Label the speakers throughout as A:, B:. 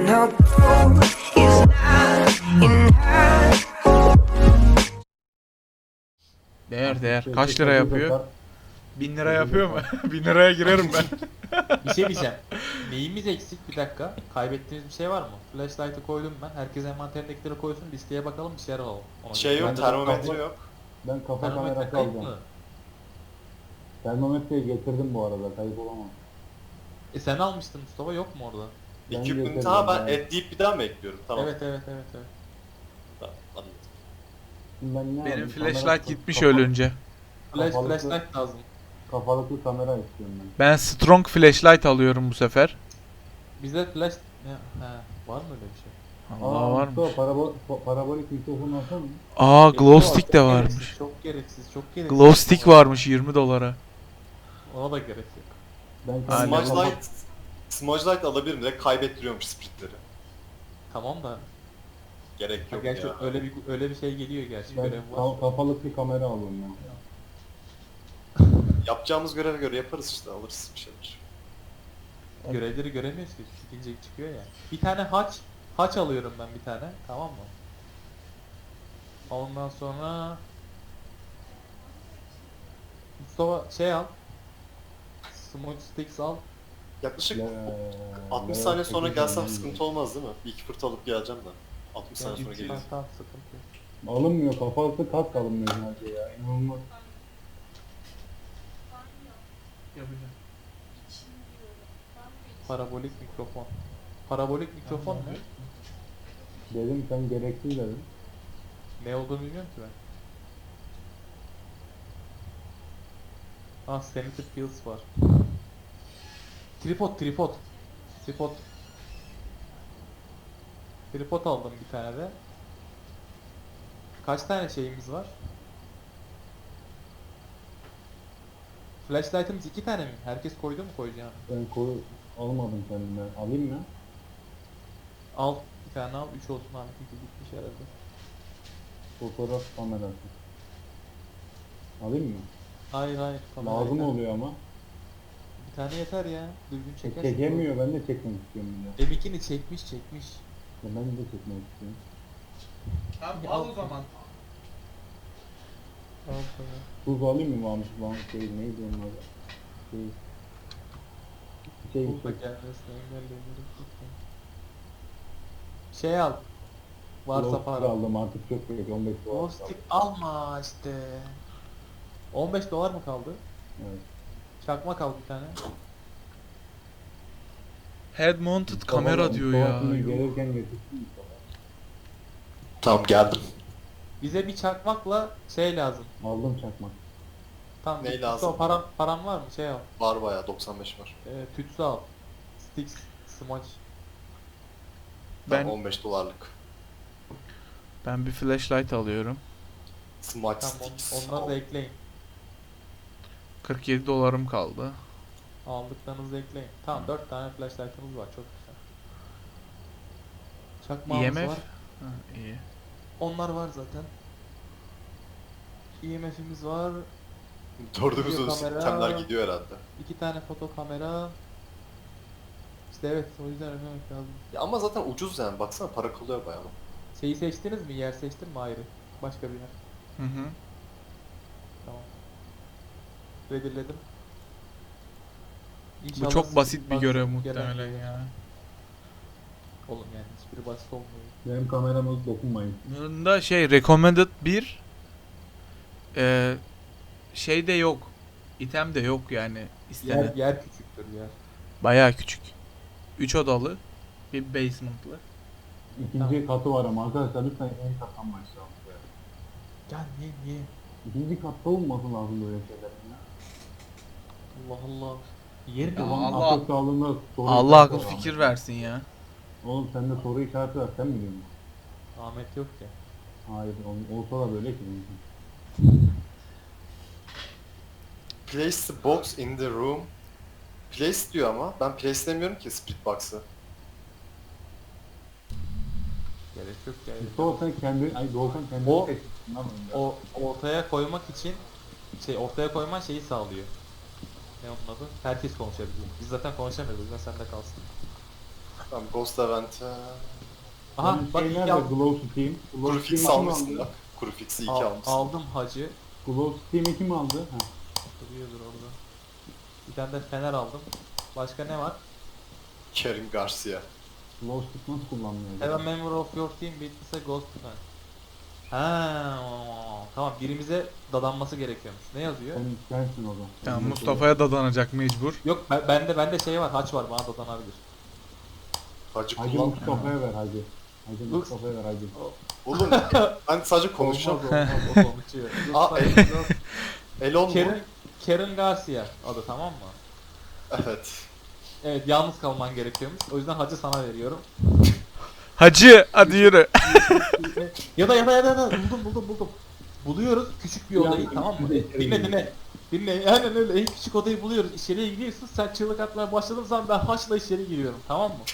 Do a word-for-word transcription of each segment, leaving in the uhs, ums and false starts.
A: no gold is not enough.
B: Değer değer. Kaç lira yapıyor? Bin lira yapıyor mu? Bin liraya girerim ben.
C: Bir şey diyeceğim. Neyimiz eksik bir dakika? Kaybettiğimiz bir şey var mı? Flashlight'ı koydum ben. Herkes envanterindekileri koysun. Listeye bakalım, bir şeyler alalım. Ona
D: Şey
C: göre.
D: yok,
E: Ben-
D: termometre yok.
E: Ben kafa
C: Termometre
E: kamerası
C: kayıp
E: alacağım.
C: mı?
E: Termometreyi getirdim bu arada, kayıp olamam.
C: E sen almıştın Mustafa, yok mu orada?
E: Ben
D: Equipment
E: getirdim,
D: ha ben
E: yani.
D: et deyip bir daha mı ekliyorum? Tamam.
C: Evet evet evet evet.
D: Tamam, anladım.
E: Şimdi ben ne
B: Benim
E: alayım?
B: flashlight
E: Kamera-
B: gitmiş
E: kafa-
B: ölünce.
C: Flash,
E: Kafalıklı-
C: flashlight lazım.
E: Kafalıklı kamera istiyorum ben.
B: Ben strong flashlight alıyorum bu sefer.
C: Bize flash... Ne? He, var mı öyle bir şey?
B: Allah var mı?
E: Mustafa, parabo pa- parabolik mikrofon alsana.
B: Aa glow
C: Yok,
B: stick
C: çok
B: de
C: gereksiz,
B: varmış.
C: Çok gereksiz, çok gereksiz.
B: Glow stick varmış yirmi dolara.
C: Ona da gerek yok.
E: Ben
B: Aynen.
E: kendime
D: Smudge
E: kafa-
D: light, smudge light alabilirim direkt kaybettiriyormuş splitleri.
C: Tamam da...
D: Gerek
C: Ha,
D: yok
C: gerçi
D: ya.
C: öyle bir öyle bir şey geliyor gerçi,
E: Ben
C: görev var.
E: ka- kafalıklı kamera alıyorum ya.
D: Yapacağımız göreve göre yaparız işte, alırız bir şeyler.
C: Görevleri göremiyoruz ki, çıkınca çıkıyor ya. Bir tane haç, haç alıyorum ben bir tane, tamam mı? Ondan sonra... Mustafa şey al. Smudge sticks al.
D: Yaklaşık
E: Le-
D: altmış
E: le-
D: saniye sonra
E: sekiz
D: gelsem
E: tane
D: sıkıntı olmaz değil mi? Bir iki fırt alıp geleceğim de. altmış saniye sonra
C: Yani
D: geleceğim.
C: tamam, sıkıntı yok.
E: Alınmıyor, kafalıklı kask alınmıyor sadece ya. İnanılmaz.
C: Parabolik mikrofon. Parabolik mikrofon ne?
E: Dedim sen gereksiz dedim.
C: Ne olduğunu bilmiyorum ki ben. Ah, Sanity Pills var. Tripod, tripod. Tripod. Tripod aldım bir tane de. Kaç tane şeyimiz var? Flashlight'ımız iki tane mi? Herkes koydu mu koyacağını?
E: Ben koyu almadım kendime. Alayım mı?
C: Al, bir tane al, üç olsun abi, çünkü gitmiş herhalde.
E: Fotoğraf kamerası. Alayım mı?
C: Hayır hayır. kamera
E: Lazım
C: yeter.
E: oluyor ama.
C: Bir tane yeter ya. Düzgün
E: E,
C: çekersin.
E: çekemiyor, ben de çekmek istiyorum bir de.
C: M ikini çekmiş çekmiş.
E: Ya ben de çekmek istiyorum.
B: Tamam
C: al o
B: zaman.
C: Al sana.
E: Tuz alayım mı Mahmut? Mahmut şey neydi onun adı? Şey... Şey,
C: Bul da
E: şey,
C: gelmesine engelleyelim. Şey al. Varsa
E: Glow
C: para.
E: stick aldım artık çok büyük on beş dolar.
C: Glow stick alma işte. on beş dolar mı kaldı?
E: Evet.
C: Çakma kaldı bir tane.
B: Head mounted kamera
E: Mustafa-
B: diyor
E: Mustafa
B: ya.
E: şimdi
B: Yuh.
E: gelirken getirsin Mustafa.
D: Tamam geldim.
C: Bize bir çakmakla şey lazım.
E: Aldım çakmak.
C: Tamam.
D: Ney
C: Mustafa,
D: lazım?
C: Param, param var mı? Şey al.
D: Var bayağı doksan beş var.
C: Ee, tütsü al. Sticks, smudge.
D: Ben
B: Ben
D: on beş dolarlık.
B: ben bir flashlight alıyorum.
D: Smudge
C: Tamam,
D: sticks.
C: on, onları da ekleyin.
B: kırk yedi dolarım kaldı.
C: Aldıklarınızı ekleyin. Tamam, dört tane flashlight'ımız var, çok güzel.
B: I
C: Çakmağımız
B: M F.
C: var.
B: Ha, iyi.
C: Onlar var zaten. E M F'imiz var.
D: Dördümüzün
C: Video kamera.
D: sistemler gidiyor herhalde.
C: İki tane foto kamera. İşte evet, o yüzden ödemek lazım.
D: Ya ama zaten ucuz yani, baksana para kalıyor bayağı.
C: Şeyi seçtiniz mi? Yer seçtin mi ayrı? Başka bir yer.
B: Hı hı.
C: Tamam. Redirledim.
B: Bu
C: İnşallah
B: çok basit bir
C: bak-
B: görev
C: gelen-
B: muhtemelen ya.
C: Oğlum yani hiçbiri basit olmuyor.
E: Benim kamerama dokunmayın.
B: Bunda şey recommended bir eee şey de yok. İtem de yok yani
C: Yer,
B: istenen.
C: yer küçüktür yer.
B: Bayağı küçük. üç odalı, bir basement'lı.
E: İkinci katı var ama arkadaşlar lütfen en kattan başlayalım.
C: Ya niye niye?
E: İkinci katta olması lazım böyle şeylerin ya.
C: Allah Allah. Yer mi
B: Ya
C: var?
B: Allah-
E: Akıl sağlığında soru
B: Allah
E: işareti
B: akıl
E: var
B: fikir
E: ama.
B: versin ya.
E: Oğlum sende soru işareti var, sen mi diyorsun?
C: Ahmet yok ki.
E: Hayır, ol- olsa da böyle ki.
D: Place the box in the room. Place diyor ama ben place demiyorum ki split box'ı.
C: Gerek yok ya.
E: Mustafa sen kendi, ay Doğukan kendi
C: O-
E: seçtin lan onu ya.
C: O ortaya koymak için şey ortaya koyman şeyi sağlıyor. Ne onun adı? Herkes konuşabiliyor. Biz zaten konuşamıyoruz, o yüzden sende kalsın.
D: Tamam Ghost Event'e...
C: Aha
E: Benim
C: bak
E: şey
C: iki
E: nerede?
C: aldım.
E: Glow Steam. Glow
D: Kuru fix
E: Steam kim
D: almışsın
E: aldı?
D: bak. Kuru fix'i iki
C: Al-
D: almışsın.
C: aldım hacı.
E: Glow Steam'i kim aldı? Ha.
C: Duruyordur orada. Bir tane de fener aldım. Başka ne var?
D: Kerim Garcia.
E: Glow Steam nasıl kullanılıyor?
C: Have a member of your team witness a ghost event. Ha, tamam birimize dadanması gerekiyormuş. Ne yazıyor?
E: Sen, sensin o zaman.
B: Ya
E: Sen
B: Mustafa'ya dadanacak mecbur.
C: Yok ben, bende bende şey var, haç var, bana dadanabilir.
D: Hacı
E: Hacı
D: kullan.
E: Mustafa'ya ver hacı. Hacı
C: Dur.
E: Mustafa'ya ver hacı.
D: Oğlum ben sadece konuşacağım.
C: Olmaz olmaz o konuşuyor.
D: Aa,
C: Lütfen,
D: el- Elon mu?
C: Karen, Karen Garcia adı, tamam mı?
D: Evet.
C: Evet, yalnız kalman gerekiyormuş. O yüzden hacı sana veriyorum.
B: Hacı hadi yürü.
C: ya da ya da ya da, ya da buldum buldum buldum. Buluyoruz küçük bir
E: Ya,
C: odayı, tamam mı?
E: bir de-
C: Dinle dinle. Dinle, aynen öyle, en küçük odayı buluyoruz. İçeriye giriyorsun, sen çığlık atmaya başladığın zaman ben haçla içeri giriyorum, tamam mı?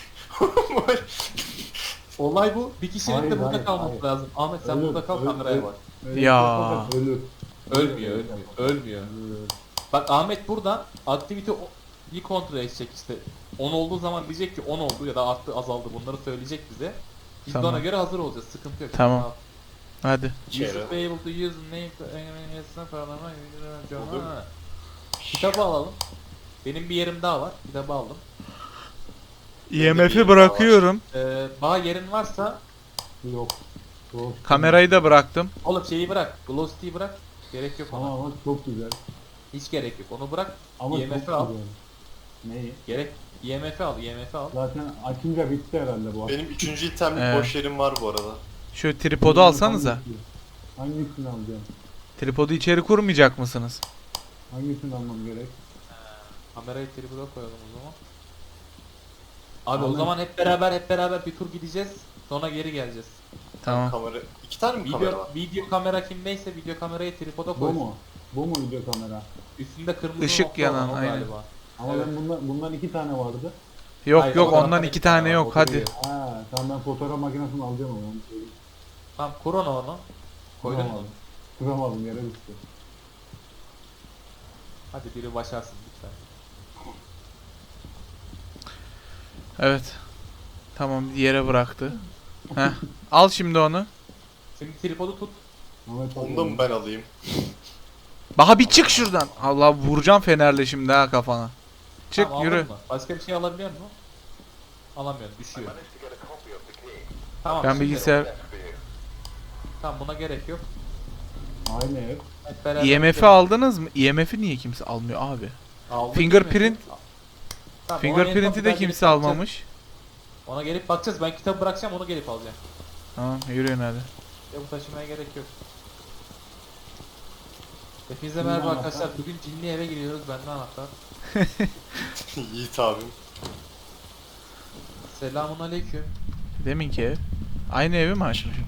C: Olay bu. Bir kişinin
E: Hayır,
C: de burada
E: hayır,
C: kalması
E: hayır.
C: lazım. Ahmet sen
E: Ölür,
C: burada kal,
E: ölür,
C: kameraya
E: ölür.
C: bak.
E: Öyle bir
B: Ya.
E: şey yaparsak ölür.
C: Ölmüyor,
E: Öyle
C: ölmüyor,
E: yaparsak.
C: ölmüyor.
E: Ölür.
C: Bak Ahmet buradan aktivite bir kontrol edecek işte. on olduğu zaman diyecek ki on oldu ya da arttı, azaldı, bunları söyleyecek bize. Biz de
B: Tamam.
C: ona göre hazır olacağız. Sıkıntı yok.
B: Tamam. Hadi.
C: You
D: Kere.
C: should be able to use the name to enable falan.
D: Olur mu?
C: Kitabı alalım. Benim bir yerim daha var. Kitabı aldım.
B: I M F'i bırakıyorum.
C: Ee, bağ yerin varsa
E: Yok. Glow Steam-
B: Kamerayı da bıraktım.
C: oğlum şeyi bırak. Glowstick'i bırak. Gerek yok ona.
E: Ama ama çok güzel.
C: Hiç gerek yok. Onu bırak.
E: Ama
C: I M F'i
E: çok
C: al.
E: güzel. Neyi?
C: Gerek. I M F'i al. I M F'i al.
E: Zaten açınca bitti herhalde bu.
D: Benim üçüncü itemlik
B: Evet.
D: boş yerim var bu arada.
B: Şu tripodu alsanıza.
E: Hangisini alacağım?
B: Tripodu içeri kurmayacak mısınız?
E: Hangisini almam gerek?
C: Kamerayı tribüne koyalım o zaman. Abi o
E: Ahmet.
C: zaman hep beraber hep beraber bir tur gideceğiz. Sonra geri geleceğiz.
B: Tamam.
D: Kamera. İki tane mi kamera
C: Video,
D: var?
C: video kamera kimdeyse video kamerayı tripoda
E: Bu
C: koysun.
E: mu? Bu mu video kamera?
C: Üstünde kırmızı
B: Işık
C: nokta
B: yanan,
C: olan o
B: aynen.
C: galiba.
E: Ama
C: Evet.
E: ben bundan, bundan iki tane vardı.
B: Yok
C: Hayır,
B: yok
C: fotoğrafta
B: ondan
C: da
B: iki tane
C: var,
B: yok
C: o
B: hadi.
C: duruyor.
E: Ha, tamam ben fotoğraf makinesini alacağım ama onu söyleyeyim.
C: Tamam kur onu onu. Koydun mu?
E: Kuramadım. Kuramadım yere düştü.
C: Hadi biri başarsın lütfen.
B: Evet. Tamam yere bıraktı. Heh. Al şimdi onu.
C: Şimdi tripodu tut.
E: Ahmet
D: Onu da mı ben alayım?
B: Baha bir çık şuradan. Allah vuracağım fenerle şimdi ha kafana. Çık
C: Tamam,
B: yürü.
C: aldın mı? Başka bir şey alabiliyor musun? Alamıyorum, düşüyor. Tamam.
B: Ben
C: şimdi-
B: bilgisayar
C: Tamam buna gerek yok.
E: Aynı ev.
C: Hep beraber
B: I M F'i
C: gidelim.
B: aldınız mı? I M F'i niye kimse almıyor abi?
C: Aldık
B: Fingerprint-
C: değil mi? Tamam, ona
B: Fingerprint'i
C: gelip
B: de
C: bakacağız,
B: kimse
C: bakacağız.
B: almamış.
C: Ona gelip bakacağız. Ben kitabı bırakacağım, onu gelip alacağım.
B: Tamam yürüyün hadi.
C: Ya bu taşımaya gerek yok. Hepinize
E: Cinli
C: merhaba
E: anahtar.
C: arkadaşlar. Bugün cinli eve giriyoruz. Bende anahtar.
D: Yiğit abim.
C: Selamun aleyküm.
B: Deminki ev. Aynı evi mi açmışım?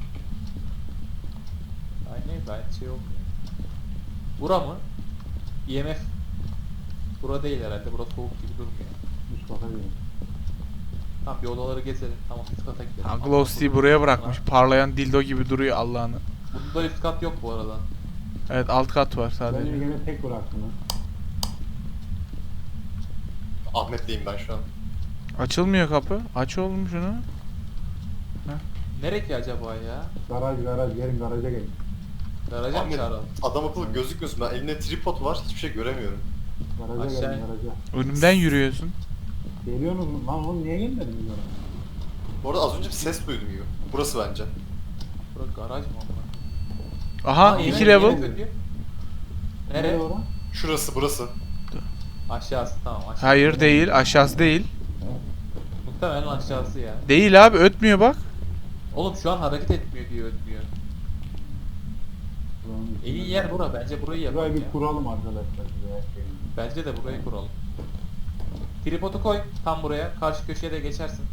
C: Ay ne ben şey yok. Bura mı? I M F. Bura değil herhalde. Bura soğuk gibi durmuyor.
E: Üst kata gidelim.
C: Tamam bir odaları gezelim. Tamam üst kata gidelim.
B: Ha,
C: Ama
B: Glowsty'yi
C: burada-
B: buraya bırakmış. Parlayan dildo gibi duruyor Allah'ını.
C: Bunda üst kat yok bu arada.
B: Evet alt kat var
E: Beni
B: sadece.
E: gene tek bıraktın ha.
D: Ahmet'leyim ben şu an.
B: Açılmıyor kapı. Aç oğlum şunu.
C: Nere ki acaba ya?
E: Garaj garaj gelin garaja gelin.
C: Garaja mı
D: Ahmet,
C: çağıralım?
D: adam akıllı gözükmüyorsun. Ben elimde tripod var. Hiçbir şey göremiyorum.
E: Garaja
C: Aşağı
E: gelin
C: in.
E: garaja.
B: Önümden yürüyorsun.
E: Geliyorsunuz mu? Lan oğlum niye gelmediniz bana?
D: Bu arada az önce bir ses duydum gibi. Burası bence.
C: Bura garaj mı onlar?
B: Aha
C: Aa,
B: iki
C: yemek-
B: level.
C: yemek ödüyor. Nere?
E: Nereye ora?
D: Şurası burası.
C: Aşağısı tamam aşağı.
B: Hayır değil. Aşağısı değil.
C: Muhtemelen aşağısı ya.
B: Değil abi ötmüyor bak.
C: Oğlum şu an hareket etmiyor diye ödmüyor.
E: Buranın
C: En iyi
E: içinde.
C: yer bura, bence burayı yapalım
E: Burayı
C: ya.
E: bir kuralım arkadaşlar. Buraya şey.
C: Bence de burayı kuralım. Tripodu koy tam buraya, karşı köşeye de geçersin.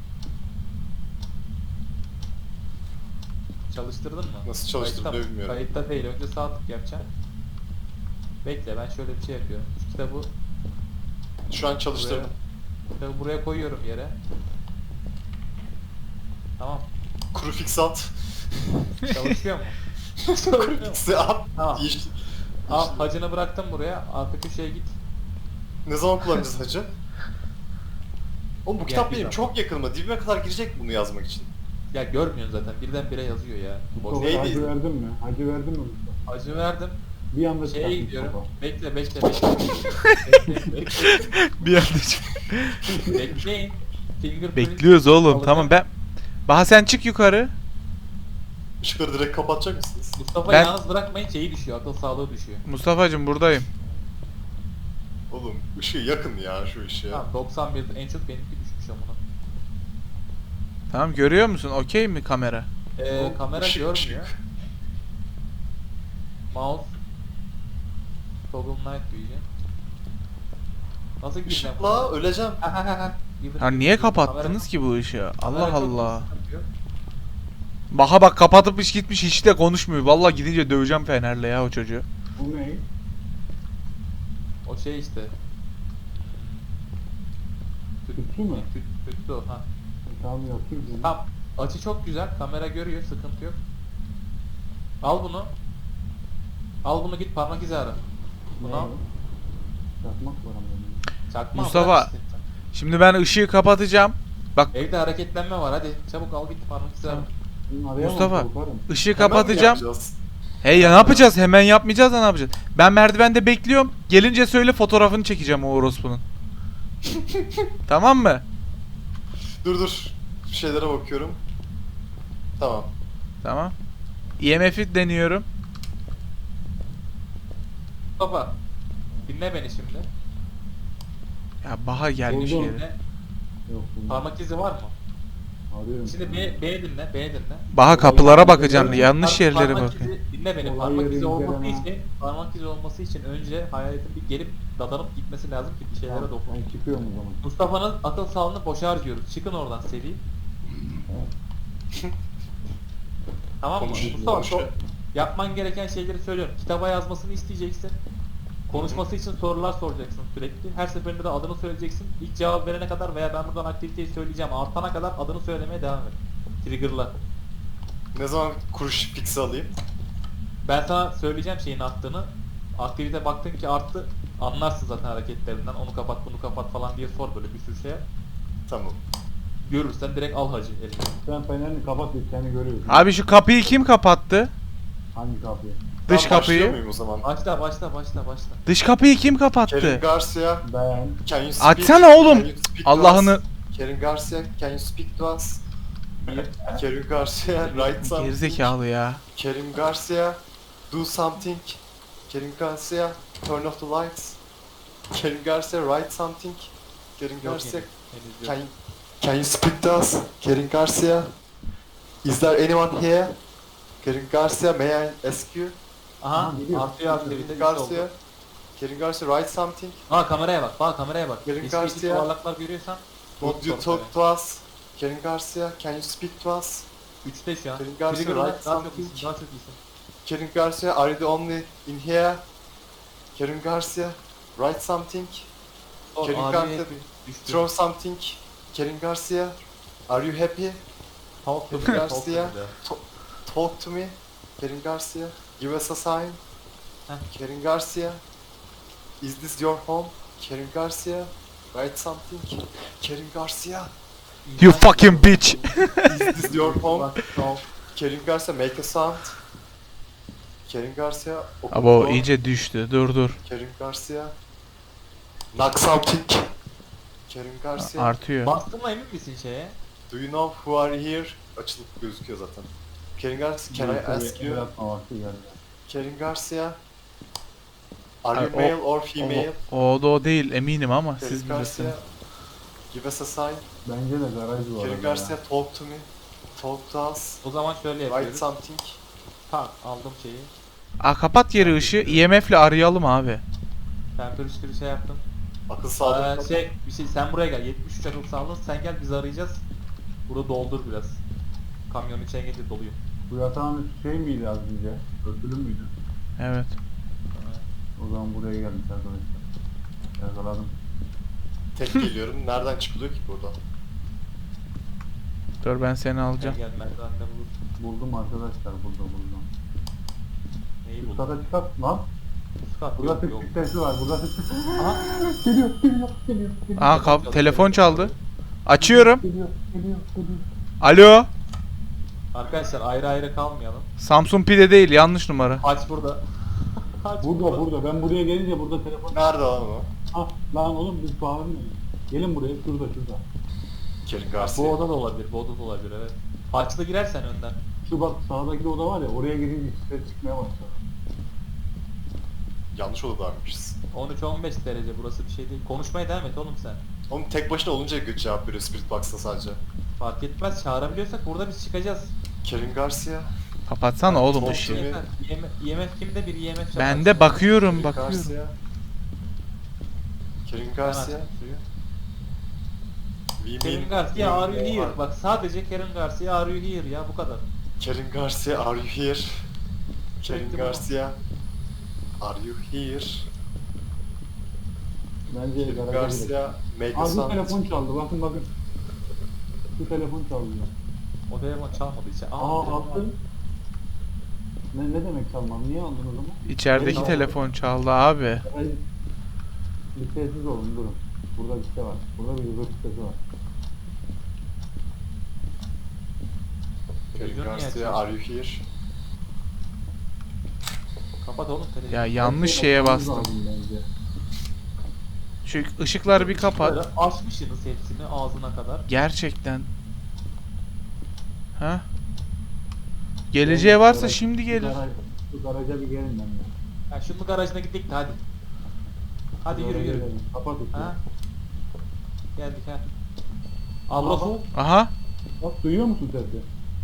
C: Çalıştırdın mı?
D: Nasıl çalıştırdığını
C: Kayıtta-
D: bilmiyorum.
C: Kayıtta değil, önce sağ tık yapacaksın. Bekle ben şöyle bir şey yapıyorum. Şu kitabı
D: Şu an
C: buraya,
D: çalıştırdım.
C: kitabı buraya koyuyorum yere. Tamam.
D: Kuru fix at.
C: Çalışıyor mu?
D: Kuru fix'i at.
C: Tamam.
D: Yeşil.
C: Al hacını bıraktım buraya. Arka köşeye git.
D: Ne zaman kullanacağız hacı? Oğlum bu
C: Yani
D: kitap benim
C: güzel.
D: çok yakınıma. Dibime kadar girecek bunu yazmak için.
C: Ya görmüyorsun zaten. Birdenbire yazıyor ya. Boş.
E: Mustafa
D: Neydi?
E: hacı verdin mi? Hacı verdin mi Mustafa?
C: Acı verdim.
E: Bir anda
C: Şeye
E: çıkarttın
C: gidiyorum.
E: Mustafa.
C: Bekle bekle bekle. bekle, bekle.
B: Bir anda çık-
C: Bekleyin. Fingerprint
B: Bekliyoruz oğlum.
C: alacağım.
B: Tamam ben. Baha sen çık yukarı.
D: Işıkları direkt kapatacak mısınız?
C: Mustafa
B: Ben-
C: yalnız bırakmayın, şeyi düşüyor. Akıl sağlığı düşüyor.
B: Mustafa'cım buradayım.
D: Oğlum ışığı yakın ya şu ışığa.
C: Tamam doksan bir en çok benimki düşmüş amına.
B: Tamam görüyor musun? Okey mi kamera?
C: Ee,
D: Oğlum,
C: kamera
D: ışık,
C: görmüyor.
D: ışık.
C: Mouse. Toggle Night Vision. Nasıl gireceğim?
D: Işıkla öleceğim.
C: Ha ha ha ha. Gibi.
B: Ha niye
C: Kamera-
B: kapattınız ki bu ışığı?
C: kamera
B: Allah
C: çok
B: Allah.
C: sıkıntı yok.
B: Baha bak kapatıp iş gitmiş hiç de konuşmuyor. Vallahi gidince döveceğim Fener'le ya o çocuğu.
E: Bu ne?
C: O şey işte. Tüt,
E: Tütsü mü?
C: tüt, tütsü o ha.
E: Tamam yapayım bunu.
C: Tamam. Açı çok güzel. Kamera görüyor. Sıkıntı yok. Al bunu. Al bunu git parmak izi ara. Bunu al.
E: Çakmak var ama. benim.
C: Çakma
B: Mustafa.
C: bırak işte.
B: Şimdi ben ışığı kapatacağım. Bak
C: Evde hareketlenme var hadi. Çabuk al git parmak izi ara.
E: Bunu arayamam,
B: Mustafa.
E: korkarım.
B: ışığı
D: Hemen mi
B: kapatacağım.
D: yapacağız?
B: Hey ya ne yapacağız? Hemen yapmayacağız da ne yapacağız? Ben merdivende bekliyorum. Gelince söyle fotoğrafını çekeceğim o orospunun. Tamam mı?
D: Dur dur. Bir şeylere bakıyorum. Tamam.
B: Tamam. E M F'i deniyorum.
C: Mustafa. Dinle beni şimdi.
B: Ya Baha gelmiş
E: Buldum.
B: yere.
C: Dinle.
E: Yok bunu
C: Parmak izi var mı?
E: arıyorum.
C: Şimdi B, B dinle, B dinle.
B: Baha kapılara bakacağım.
C: Par-
B: Yanlış yerlere
C: parmak
B: bakıyorum.
C: izi- Dinle beni.
E: Olay
C: Parmak
E: yeri
C: izi olması
E: inceleme.
C: için, parmak izi olması için önce hayaletin bir gelip dadanıp gitmesi lazım ki bir şeylere
E: Tamam,
C: dokun.
E: ben çıkıyorum o zaman.
C: Mustafa'nın akıl sağlığını boşa harcıyoruz. Çıkın oradan seri. Tamam mı?
D: Konuş-
C: Mustafa
D: konuş.
C: çok yapman gereken şeyleri söylüyorum. Kitaba yazmasını isteyeceksin. Konuşması için sorular soracaksın sürekli. Her seferinde de adını söyleyeceksin. İlk cevap verene kadar veya ben buradan aktiviteyi söyleyeceğim artana kadar adını söylemeye devam et. Trigger'la.
D: Ne zaman kuruş fix'i alayım?
C: Ben sana söyleyeceğim şeyin arttığını. Aktivite baktın ki arttı. Anlarsın zaten hareketlerinden. Onu kapat bunu kapat falan diye sor böyle bir sürü şeye.
D: Tamam.
C: Görürsen direkt al hacı eline.
E: Sen fenerini kapat biz seni görüyoruz.
B: Abi şu kapıyı kim kapattı?
E: Hangi kapıyı?
B: Dış
D: Ben başlıyor
B: kapıyı.
D: muyum o zaman?
C: Başla başla başla başla.
B: Dış kapıyı kim
D: Kerim
B: kapattı?
D: Garcia,
E: Ben.
D: can you speak?
B: Açsana oğlum.
D: Can you speak to
B: Allah'ını.
D: us? Kerim Garcia, can you speak to us? Kerim Garcia, write something.
B: Gerizekalı ya.
D: Kerim Garcia, do something. Kerim Garcia, turn off the lights. Kerim Garcia, write something. Kerim
C: Yok
D: Garcia,
C: henüz, henüz
D: can
C: yok.
D: you, can you speak to us? Kerim Garcia, is there anyone here? Kerim Garcia, may I ask you?
C: Aha
E: Aha, geliyor.
C: artıyor aktivite.
D: Kerim
C: üç
D: Garcia,
C: oldu.
D: Kerim Garcia, write something.
C: Aa kameraya bak, bak kameraya bak.
D: Kerim
C: Eski
D: Garcia.
C: yuvarlaklar görüyorsan.
D: Would you
C: sor
D: talk to us? Kerim Garcia, can you speak to us?
C: Üçte şu an.
D: Kerim Garcia,
C: Trigger'la
D: write
C: daha çok
D: something.
C: iyisin, daha çok iyisin.
D: Kerim Garcia, are you the only in here? Kerim Garcia, write something.
C: Sor,
D: Kerim
C: abiye
D: Garcia,
C: düştü.
D: throw something. Kerim Garcia, are you happy?
C: Talk to me,
D: Kerim
C: talk to me
D: Garcia,
C: de.
D: to- talk to me. Kerim Garcia, give us a sign.
C: Heh.
D: Kerim Garcia, is this your home? Kerim Garcia, write something. Kerim Garcia,
B: You fucking bitch.
D: is this your home?
C: Bak, talk.
D: Kerim Garcia, make a sound. Kerim Garcia, open
B: Abi o
D: door.
B: iyice düştü. Dur dur.
D: Kerim Garcia, knock something. Kerim Garcia,
B: Artıyor.
C: Bastığına emin misin şeye?
D: do you know who are here? Açılıp gözüküyor zaten. Kerim Garcia, can I
E: Neyse,
D: ask
E: bir el
D: you?
E: atma vakti geldi.
D: Kerim Garcia, are you
B: Abi, o-
D: male or female?
B: O, o da o değil eminim ama
D: Kerim
B: siz
D: Garcia,
B: bilirsiniz.
D: give us a sign.
E: Bence de garaj var.
D: Kerim Garcia, talk to me. Talk to us.
C: O zaman şöyle
D: Write
C: yapıyoruz.
D: something.
C: Tak aldım şeyi.
B: Aa kapat yeri ışığı. E M F'le arayalım abi.
C: Temperatürü şey yaptım.
D: Akıl
C: Ee,
D: sağlığı.
C: şey, bir şey sen buraya gel. yetmiş üç akıl sağlığın. Sen gel biz arayacağız. Burada doldur biraz. Kamyonun içine gelince doluyor.
E: Bu yatağın üstü şey miydi az önce? Örtülü müydü?
B: Evet.
E: O zaman buraya gelmiş arkadaşlar. Yakaladım.
D: Tek geliyorum. Nereden çıkılıyor ki buradan?
B: Dur ben seni
C: Gel
B: alacağım.
C: gel merdivende bulur.
E: Buldum arkadaşlar, burada buldum.
C: Neyi
E: Üst
C: buldun?
E: kata çıkart lan.
C: Üst kat
E: Burada
C: yok
E: tık
C: yok.
E: tık sesi var, burada tık tık.
C: Aha.
E: Geliyor, geliyor, geliyor. geliyor.
B: Aa kap telefon çaldı. Açıyorum.
E: Geliyor, geliyor, geliyor.
B: Alo.
C: Arkadaşlar ayrı ayrı kalmayalım.
B: Samsun Pide değil, yanlış numara.
C: Haç burada. Haç
E: Burada, burada. Ben buraya gelince burada telefon...
D: Nerede lan o?
E: Ah, lan oğlum biz bağırmıyoruz. Gelin buraya, şurada, şurada.
D: Kerin
C: Bu
D: Garcia.
C: oda da olabilir, bu oda da olabilir evet. Haçlı girersen önden.
E: Şu bak sağdaki oda var ya, oraya girince ses çıkmaya başladı.
D: Yanlış odadaymışız.
C: on üç on beş derece burası bir şey değil. Konuşmaya devam et oğlum sen.
D: Oğlum tek başına olunca güç cevap veriyor Spirit Box'ta sadece.
C: Fark etmez çağırabiliyorsak burada biz çıkacağız.
D: Kerin Garcia.
B: Kapatsana oğlum
D: Çok
B: ışığı.
D: iyi.
C: I M F, I M F kimde bir I M F
B: Ben de bakıyorum,
D: Kerin
B: bakıyorum.
D: Garcia. Kerin
C: Ben
D: Garcia.
C: açtım suyu.
D: We
C: Kerin
D: mean-
C: Garcia are you
D: we
C: here?
D: are-
C: Bak sadece Kerin Garcia are you here ya bu kadar.
D: Kerin Garcia, are you here? Kerin
C: Çektim
D: Garcia, are you here?
E: Bence
D: Kerin
E: garaja girelim.
D: Garcia, make a
E: Aa, bu
D: sound.
E: telefon çaldı, bakın bakın. Bu telefon çaldı.
C: O telefon çalmadı içe.
E: Aa,
C: telefon
E: aldın. Ne, ne demek çalmam? Niye aldın o zaman?
B: İçerideki
E: Tamam.
B: telefon çaldı abi.
E: Hayır. Bir sessiz olun, durun. Burada bir şey var. Burada bir yüzük sesi var.
D: Kerin
C: Televizyon niye
D: Garcia,
C: açıyorsun?
D: are you here?
C: Kapat oğlum televizyonu.
B: Ya yanlış
E: Her
B: şeye
E: bakmamız
B: bastım.
E: lazım bence.
B: Şu ışıkları bir kapat.
C: Böyle açmışsınız hepsini ağzına kadar.
B: Gerçekten. Ha? Geleceği varsa şimdi
E: Şu
B: gelir.
E: garaj- Şu garaja bir gelin benden.
C: Ya şunun garajına gittik de hadi. Hadi yürü yürü.
E: Kapat ışığı.
C: Ha? Geldik ha. Abrosu.
B: Aha.
E: Bak duyuyor musun sesi?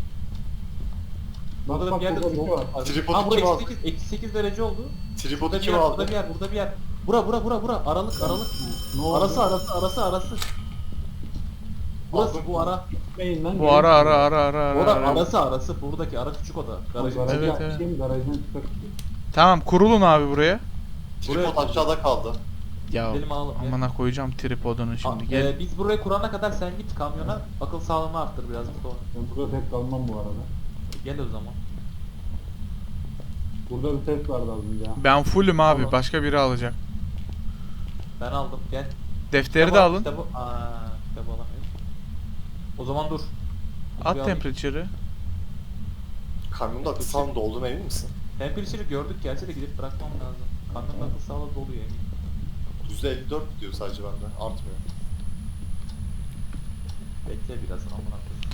E: Bak
C: Burada da
E: bak
C: bir yerde
E: burada bir şey var.
D: Tripodu
C: Ha bu
D: kim
C: eksi
D: aldı?
C: sekiz, eksi sekiz derece oldu.
D: Tripodu
C: Burada bir
D: kim
C: yer,
D: aldı?
C: burada bir yer, burada bir yer. Bura bura bura bura. Aralık aralık.
E: Ne oldu?
C: Arası arası arası arası. Burası
D: Aldım.
C: bu ara.
E: Gitmeyin lan.
B: Bu
E: gelin.
B: ara ara ara ara ara.
C: Ora
B: ara.
C: arası arası. Buradaki ara küçük oda.
E: Bak,
C: Garajın
E: garajı
B: Evet,
E: açayım,
B: evet.
E: garajdan çıkar.
B: Tamam, kurulun abi buraya.
D: Tripod
C: Buraya-
D: aşağıda kaldı.
B: Ya
C: Gidelim alalım, gel.
B: amına koyacağım tripodunu şimdi.
C: A-
B: Gel.
C: e, biz burayı kurana kadar sen git kamyona. Akıl sağlığını arttır biraz sonra.
E: Ben burada tek kalmam bu arada.
C: Gel o zaman.
E: Burada bir ses vardı az önce. ha.
B: Ben fullüm abi.
C: Tamam.
B: Başka biri alacak.
C: Ben aldım. Gel.
B: Defteri de
C: Kitabı-
B: alın.
C: Kitabı, aa, kitabı alamıyorum. O zaman dur.
B: At
C: Bir alayım.
B: temperature'ı.
D: Kamyonda akıl sağlığında olduğuna emin misin?
C: Temperature'ı gördük gerçi de gidip bırakmam lazım. Kamyonun akıl sağlığı doluyor eminim.
D: yüzde elli dört diyor sadece bende. Artmıyor.
C: Bekle biraz amına koyayım.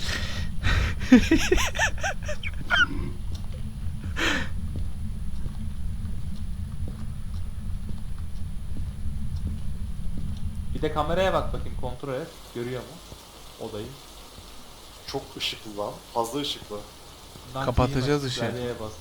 C: Bir de kameraya bak bakayım, kontrol et. Görüyor mu odayı?
D: Çok ışıklı lan. Fazla ışıklı.
C: Night
B: Kapatacağız
C: Vision
B: ışığı.
C: klavyeye bas.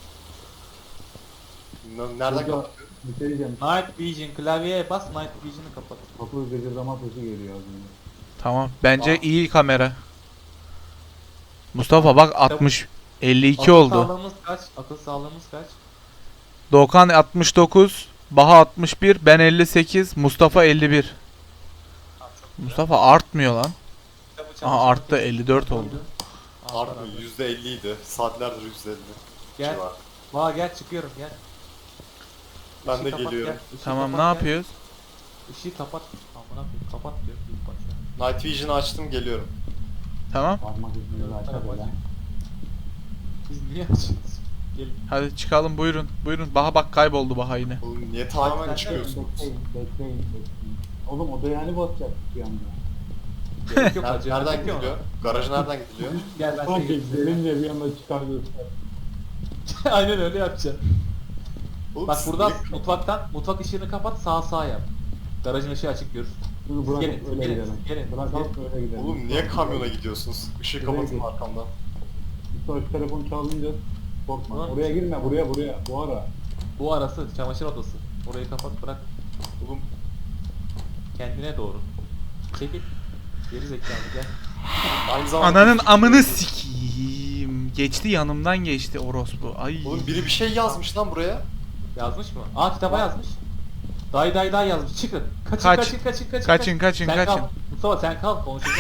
D: N- Nereden
E: Burada
D: kapatıyor?
E: bir şey diyeceğim.
C: Night Vision klavyeye bas, Night Vision'ı kapat.
E: Kapı gıcırdama sesi geliyor az önce.
B: Tamam. Bence
C: Aa.
B: iyi kamera. Mustafa bak altmış elli iki
C: Akıl
B: oldu.
C: sağlığımız kaç? Akıl sağlığımız kaç?
B: Doğukan altmış dokuz, Baha altmış bir, ben elli sekiz, Mustafa elli bir.
C: Tamam, çok güzel.
B: Mustafa artmıyor lan.
C: Kitabı
B: Aha
C: çalıştırmak
B: arttı,
C: için
B: elli dört
C: koydu.
B: oldu.
C: Al
D: Artmıyor.
C: beraber.
D: yüzde elli idi. Saatlerdir yüzde elli.
C: Gel.
D: Civar.
C: Vaa gel çıkıyorum gel.
D: Ben
C: Işığı
D: de
C: kapat,
D: geliyorum.
C: gel. Işığı
B: Tamam, ne
C: kapat, gel.
B: yapıyoruz?
C: Işığı kapat. Amına koyayım kapat diyor. İlk başta.
D: Night Vision'ı açtım geliyorum.
B: Tamam.
E: Parmak izini açar
C: Hadi
E: hele.
C: bakayım. Biz niye açıyoruz? Gelin.
B: Hadi çıkalım, buyurun. Buyurun. Baha bak kayboldu Baha yine.
D: Oğlum niye tamamen
C: sen de-
D: çıkıyorsun?
E: Bekleyin, bekleyin, bekleyin. Oğlum odaya hani basacaktık bir anda?
C: Gerek yok
D: Ner-
C: acele
D: nereden
C: etmek yok.
D: gidiliyor? Garaja nereden gidiliyor?
C: Gel ben
E: Bak
C: seni göstereyim.
E: gelince bir anda çıkar göster.
C: Aynen öyle yapacağım.
D: Oğlum
C: Bak
D: siz
C: buradan
D: niye-
C: mutfaktan mutfak ışığını kapat, sağ sağ yap. Garajın ışığı açık görürsün.
E: Şunu
C: Siz
E: bırakıp
C: gelin,
E: öyle
C: gelin,
E: gidelim.
C: gelin,
E: Bırakalım
C: gelin.
E: öyle gidelim.
D: Oğlum niye kamyona gidiyorsunuz? Işığı
E: Nereye
D: kapatın
E: gidiyorsun?
D: arkamdan.
E: Mustafa şu telefon çalınca korkma.
C: Ulan-
E: Oraya girme, buraya buraya. Bu ara.
C: Bu arası çamaşır odası. Orayı kapat bırak.
D: Oğlum
C: Kendine doğru. Çekil. Geri zekalı gel.
D: aynı zamanda...
B: Ananın amını sikiyim. Geçti, yanımdan geçti orospu. Ay.
D: Oğlum biri bir şey yazmış lan buraya.
C: Yazmış mı? Aa kitaba yazmış. Day day day yazmış. Çıkın. Kaçın
B: Kaç.
C: kaçın kaçın kaçın.
B: Kaçın, kaçın,
C: sen
B: kaçın.
C: Kal. Mustafa sen kal konuşacağız.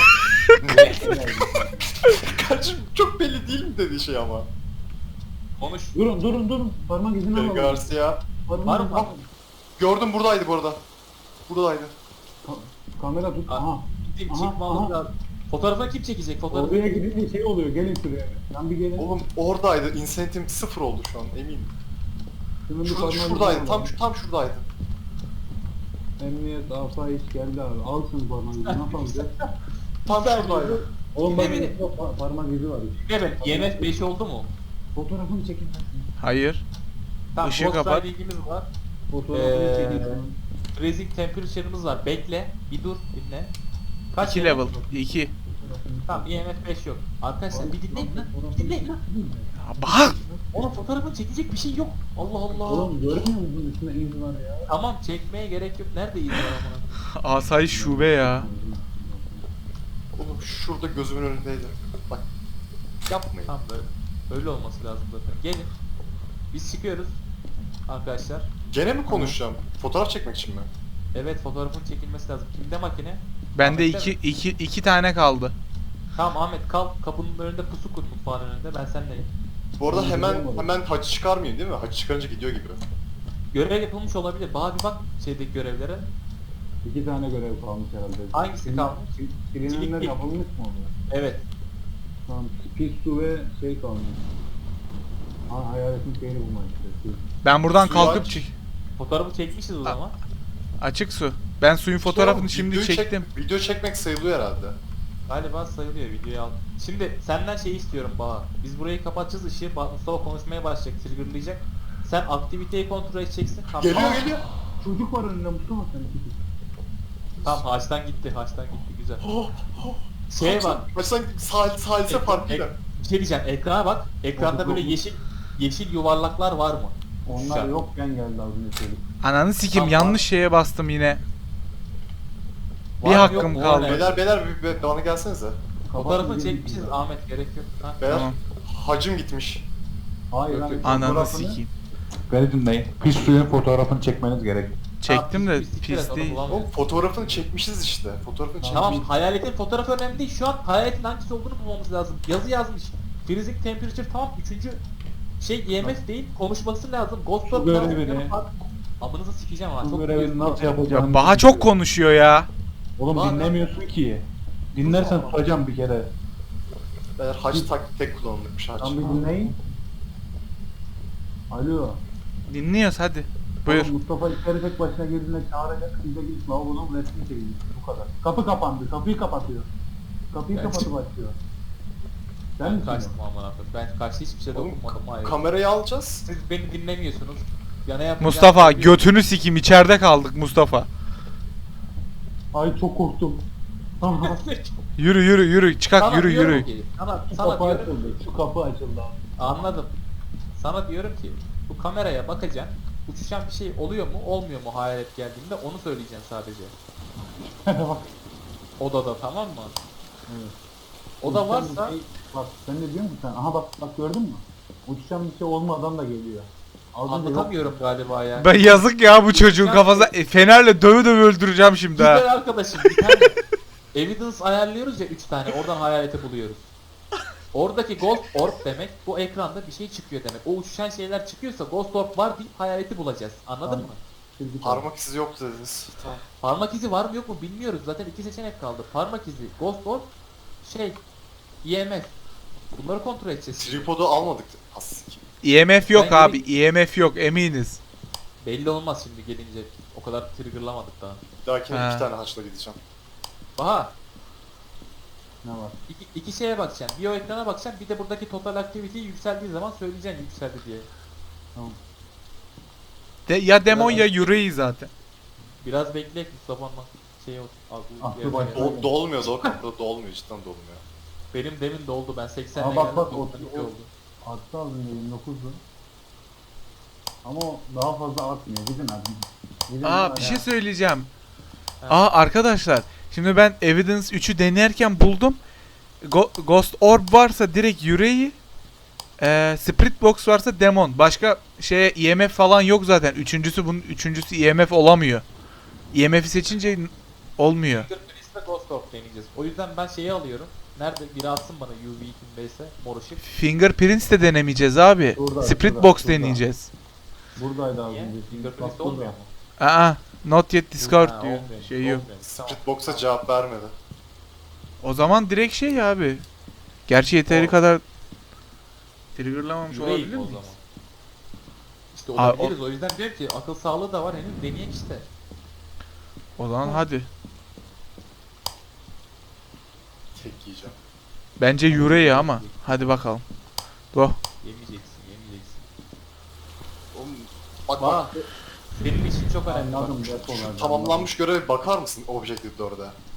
D: Kaç çok belli değil mi dediği şey ama.
C: Konuş.
E: Durun durun durun. Parmak izini
D: Kerin
E: alalım.
D: Garcia.
E: Parmak
C: Var
E: izini
C: mı?
E: alalım.
D: Gördüm buradaydı bu arada. Buradaydı.
E: Ka- kamera tut.
C: Aa,
E: Aha.
C: Gideyim
E: Aha,
C: çıkmamız
E: aha.
C: lazım. Fotoğrafını kim çekecek? Fotoğrafı
E: Oraya gidince şey oluyor, gelin şuraya. Lan bir gelin.
D: Oğlum oradaydı. Incentive sıfır oldu şu an eminim.
E: Şunun bir
D: Şurada,
E: parmağını
D: şuradaydı.
E: vuralım.
D: Tam şu tam şuradaydı.
E: Emniyet, asayiş geldi abi. Al şunu parmağını. Nasıl alacağız?
D: Tam şuradaydı.
E: Oğlum bak
C: Dinle beni.
E: burada pa- parmak izi var.
C: Evet, I M F beş oldu mu?
E: Fotoğrafını çekin.
B: Hayır.
C: Tamam,
B: Işığı
C: Ghost
B: kapat.
C: Rider ilgimiz var.
E: Fotoğrafını
C: Ee,
E: çekin. şunun.
C: Freezing Temperature'ımız var. Bekle, bir dur, dinle. Kaç
B: iki
C: I M F?
B: level. iki.
C: Tamam, I M F beş yok. Arkadaşlar bir dinleyin lan. Bir dinleyin lan.
B: Ya bak.
C: Onun fotoğrafını çekecek bir şey yok. Allah Allah.
E: Oğlum görmüyor musun üstünde iz var ya?
C: Tamam, çekmeye gerek yok. Nerede iz var amına?
B: Asayiş şube ya.
D: Oğlum şurada gözümün önündeydi. Bak. Yapmayın.
C: Tamam, böyle. Öyle olması lazım zaten. Gelin. Biz çıkıyoruz. Arkadaşlar.
D: Gene mi konuşacağım? Fotoğraf çekmek için mi?
C: Evet, fotoğrafın çekilmesi lazım. Kimde makine?
B: Bende
C: Ahmet'te
B: iki,
C: mi?
B: iki, iki tane kaldı.
C: Tamam Ahmet, kal kapının önünde, pusu kur mutfağın önünde. Ben seninleyim.
D: Bu arada
E: Oğlum,
D: hemen
E: bilmiyorum.
D: hemen hacı çıkarmayın değil mi? Hacı çıkarınca gidiyor gibi.
C: Görev yapılmış olabilir. Bana bir bak şeydeki görevlere.
E: İki tane görev kalmış herhalde.
C: Hangisi
E: Silin-
C: kalmış?
E: sil- Silinenler
C: Silik-
E: yapılmış mı oluyor?
C: Evet.
E: Tamam, pis su ve şey kalmış. Ha, hayaletin şeyini bulmak işte.
B: Ben buradan
D: Suyu
B: kalkıp
D: aç.
B: çık.
C: Fotoğrafı çekmişiz o zaman.
B: Açık su. Ben suyun fotoğrafını
D: Şu an
B: şimdi
D: videoyu çek-
B: çektim.
D: video çekmek sayılıyor herhalde.
C: Galiba sayılıyor, videoyu al. Şimdi senden şey istiyorum Baha. Biz burayı kapatacağız, ışığı. Ba- Mustafa konuşmaya başlayacak, triggerlayacak. Sen aktiviteyi kontrol edeceksin. Tamam.
D: Geliyor
C: Aa,
D: geliyor.
E: Çocuk var önünde Mustafa sen.
C: Tamam, haçtan gitti, haçtan gitti, güzel.
D: Oh, oh.
C: Şeye bak.
D: Baştan sal salise
C: ek-
D: farkıyla.
C: ek- bir şey diyeceğim, ekrana bak. Ekranda böyle yeşil yeşil yuvarlaklar var mı?
E: Onlar
C: Uçuşan.
E: yokken geldi az önce çocuk.
B: Ananı sikim
C: Tamam.
B: yanlış şeye bastım yine. Bir
C: Var mı,
B: hakkım
C: yok mu?
B: kaldı.
C: Evet.
D: Beyler beyler bir, bir bana gelsenize.
C: Fotoğrafını
E: Kapatın,
C: çekmişiz
E: gelin.
C: Ahmet, gerek yok. Ha.
D: Beyler
B: Tamam.
D: hacım gitmiş.
E: Hayır lan.
B: Ananı
E: fotoğrafını-
B: sikeyim.
F: Beni dinleyin. Pis suyun fotoğrafını çekmeniz gerek.
B: Çektim de
C: Tamam, pis- pis-
B: pis
C: pis-
B: değil.
C: bulamıyorum.
D: Oğlum fotoğrafını çekmişiz işte. Fotoğrafını çekmişiz.
C: Tamam, hayaletin fotoğrafı önemli değil. Şu an hayaletin hangisi olduğunu bulmamız lazım. Yazı yazmış. Freezing temperature tamam. Üçüncü şey I M F değil. Konuşması lazım. Ghost
F: Şu
C: Orb
F: görevi
C: lazım.
F: ne?
C: Amınızı sikeceğim ha.
F: Bu
C: Çok
F: görevini
C: biliyorsun.
F: nasıl yapacağını...
B: Ya Baha çok konuşuyor ya.
F: Oğlum
C: Var-
F: dinlemiyorsun ki. Dinlersen tutacağım bir kere.
D: Beyler hac tak tek kullanılmış hac.
E: Tam bir dinleyin. Alo.
B: Dinliyoruz hadi. Buyur.
E: Oğlum Mustafa içeri tek başına girdiğinde çağıracak. Siz de gidip lavabonun resmini çekeceksiniz. Bu kadar. Kapı kapandı. Kapıyı kapatıyor. Kapıyı
C: Ben
E: kapatıp
C: çık-
E: açıyor. Sen
C: Ben
E: misin?
C: kaçtım aman Allah'ım. Ben kaçtı, hiçbir şey
D: Oğlum
C: dokunmadım. Hayır.
D: kamerayı alacağız.
C: Siz beni dinlemiyorsunuz. Yana yapacağım.
B: Mustafa götünü sikim içeride kaldık Mustafa.
E: Ay çok korktum.
B: Yürü yürü yürü çıkak
C: Sana
B: yürü
C: diyorum
B: yürü.
C: ki, Sana,
E: Şu
C: sana
E: kapı
C: diyorum.
E: açıldı. Şu kapı açıldı abi.
C: Anladım. Sana diyorum ki bu kameraya bakacaksın. Uçuşan bir şey oluyor mu, olmuyor mu hayalet geldiğinde, onu söyleyeceksin sadece.
E: Bak.
C: Odada, tamam mı?
E: Evet.
C: Oda
E: Uçuşan
C: varsa
E: bir şey- bak sen ne diyorsun ki sen? Aha bak bak gördün mü? Uçuşan bir şey olmadan da geliyor. Az önce yok.
C: anlatamıyorum galiba ya.
B: Ben yazık ya bu çocuğun kafasına e, fenerle döve döve öldüreceğim şimdi
C: Güzel
B: ha.
C: arkadaşım, bir tane evidence ayarlıyoruz ya, üç tane, oradan hayaleti buluyoruz. Oradaki Ghost Orb demek, bu ekranda bir şey çıkıyor demek. O uçuşan şeyler çıkıyorsa Ghost Orb var deyip hayaleti bulacağız. Anladın
E: Tamam.
C: mı?
E: Çizgi
D: Parmak izi yok dediniz. Tamam.
C: Parmak izi var mı yok mu bilmiyoruz. Zaten iki seçenek kaldı. Parmak izi, Ghost Orb, şey, I M F. Bunları kontrol edeceğiz.
D: Tripodu almadık. Aslında.
B: I M F yok
C: Ben
B: abi.
C: geleyim.
B: I M F yok eminiz.
C: Belli olmaz şimdi gelince. O kadar triggerlamadık daha.
D: Bir dahakine
B: Ha.
D: iki tane haçla gideceğim.
C: Baha,
E: Ne var?
C: iki, iki şeye bakacaksın. Bir o ekrana bakacaksın, bir de buradaki total activity yükseldiği zaman söyleyeceksin yükseldi diye.
B: De, ya demon ya yüreği zaten.
C: Biraz bekleyek Mustafa'nın şey olsun. Aklı
E: Aklı
C: yerine
E: başına
C: gelsin.
D: Do dolmuyor zor kapıda dolmuyor cidden dolmuyor.
C: Benim demin doldu, ben seksenle
E: Aa, bak,
C: geldim,
E: bak, o-
C: doksan iki
E: o-
C: oldu.
E: Arttı az önce yirmi dokuzdu. Ama o daha fazla artmıyor. Gidin abi. Gidin
B: Aa
E: ya.
B: bir şey söyleyeceğim.
C: Ha.
B: Aa arkadaşlar. Şimdi ben Evidence üçü denerken buldum. Go- Ghost Orb varsa direkt yüreği. Ee, Spirit Box varsa demon. Başka şeye I M F falan yok zaten. Üçüncüsü bunun üçüncüsü I M F olamıyor. I M F'i seçince n- olmuyor.
C: Fingerprints'te Ghost Orb deneyeceğiz. O yüzden ben şeyi alıyorum. Nerede biri atsın bana U V kimdeyse mor ışık.
B: Fingerprints de denemeyeceğiz abi.
E: Şurada,
B: Spirit
E: şurada,
B: Box
E: şurada.
B: deneyeceğiz.
E: Buradaydı az
C: Niye?
E: önce.
C: Fingerprints'te
E: Bak
C: olmuyor
E: burada.
C: mu?
B: Aa, not yet discovered
C: Ha,
B: diyor.
C: olmuyor,
B: Şey yok.
C: olmuyor. Tamam.
D: Split box'a cevap vermedi.
B: O zaman direkt şey abi. Gerçi yeteri
C: O-
B: kadar triggerlamamış
C: Yüreği
B: olabilir
C: o
B: miyiz?
C: zaman. İşte
B: Aa, o-
C: olabiliriz. O yüzden diyorum ki akıl sağlığı da var henüz deneyek işte.
B: O zaman hadi.
D: Tek yiyeceğim.
B: Bence yüreği ama. Hadi bakalım. Go.
C: Yemeyeceksin, yemeyeceksin.
D: Oğlum, bak bak.
C: Bak, benim için çok önemli.
E: Anladım
C: Bak.
E: depolar.
D: Tamamlanmış göreve bakar mısın Objective dörde?